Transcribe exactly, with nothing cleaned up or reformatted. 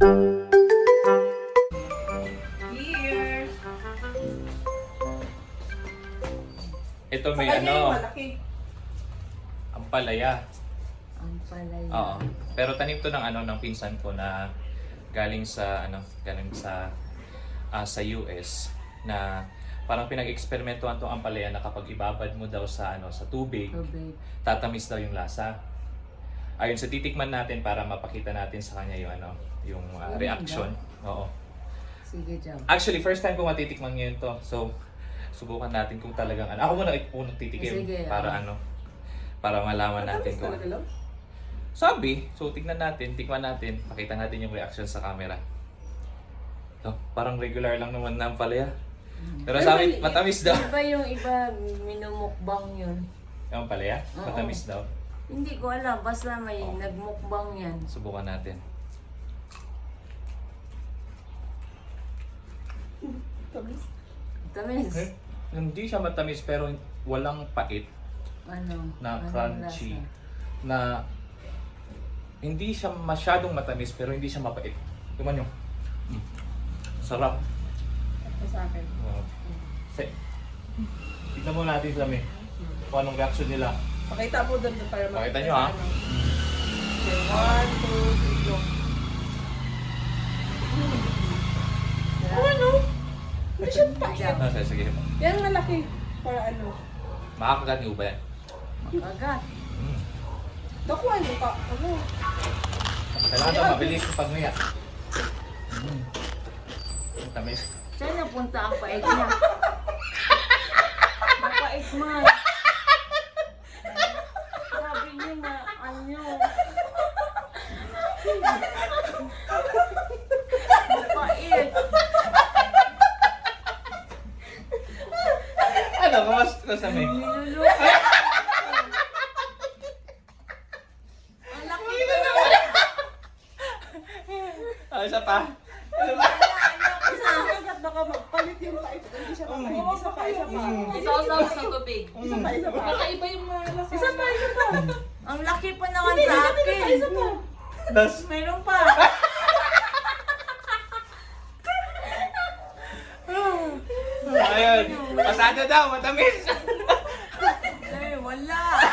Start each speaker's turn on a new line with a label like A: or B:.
A: Here.
B: Ito may
A: Sa kanya yung
B: ano,
A: malaki.
B: ampalaya.
C: Ang palaya.
B: Oo. Pero tanim to ng ano ng pinsan ko na galing sa ano, galing sa ah, sa U S na parang pinag-eksperimentuhan tong ampalaya na kapag ibabad mo daw sa ano sa tubig,
C: Tubig.
B: tatamis daw yung lasa. Ayun, sa titikman natin para mapakita natin sa kanya yung ano, yung ah,
C: Yun
B: reaction. Oo.
C: Sige, Jam.
B: Actually, first time ko matitikman ngayon to. So, subukan natin kung talagang ano. Ako muna unang titikim
C: Sige,
B: para
C: ah.
B: ano, para malaman natin
A: Matamis
B: kung
A: talaga lang.
B: sabi. So, tignan natin, tikman natin, pakita natin yung reaction sa camera. So, parang regular lang naman na ang palaya. Pero
A: Ay,
B: sa amin,
A: mali-
B: matamis daw.
C: Di ba yung iba minumukbang yun?
B: Yung palaya?
C: Oo.
B: Matamis daw.
C: Hindi ko alam. Basta may
B: Oo.
C: nagmukbang yan.
B: Subukan natin.
A: Tamis.
C: Tamis.
B: Eh, hindi siya matamis pero walang pait
C: Ano?
B: na
C: Anong
B: crunchy.
C: lasa?
B: Na hindi siya masyadong matamis pero hindi siya mapait. Tingnan nyo. Mm. Sarap.
A: Ito sa akin.
B: Uh, say, tignan mo natin sa amin kung anong reaction nila.
A: Pakita mo doon para makita.
B: Pakita nyo,
A: sa
B: ha?
A: ano. Okay, one, two, three, go. Oh, ano? Hindi siya pait.
C: Jam.
B: Ah, sige, sige.
A: Yan malaki. Para ano?
B: Makakagat niyo ba yan?
C: Makagat.
B: Mm.
A: Nakuha mo ka. Ano?
B: Kailangan daw mabilis yung pagnuya. Mm. Ang tamis.
C: Saan napunta ang pait niya? Mapait man. Sabi niya na ano. Mapait.
B: Ano? Kamas kamas namin?
C: Niluluto. Ang laki ko na.
B: Ah, isa pa.
A: Isa agad baka magpalit yung pait. Hindi siya mapait. Isa pa, isa pa.
C: Isaw-saw sa tubig.
A: Isa pa, isa pa.
D: Kakaiba yung mga lasa.
A: Isa pa, isa pa.
C: Ang laki pa naman sa akin.
A: Isa pa.
B: Das.
C: Meron pa.
B: Ayun. Pasado daw, matamis.
C: Ay, wala.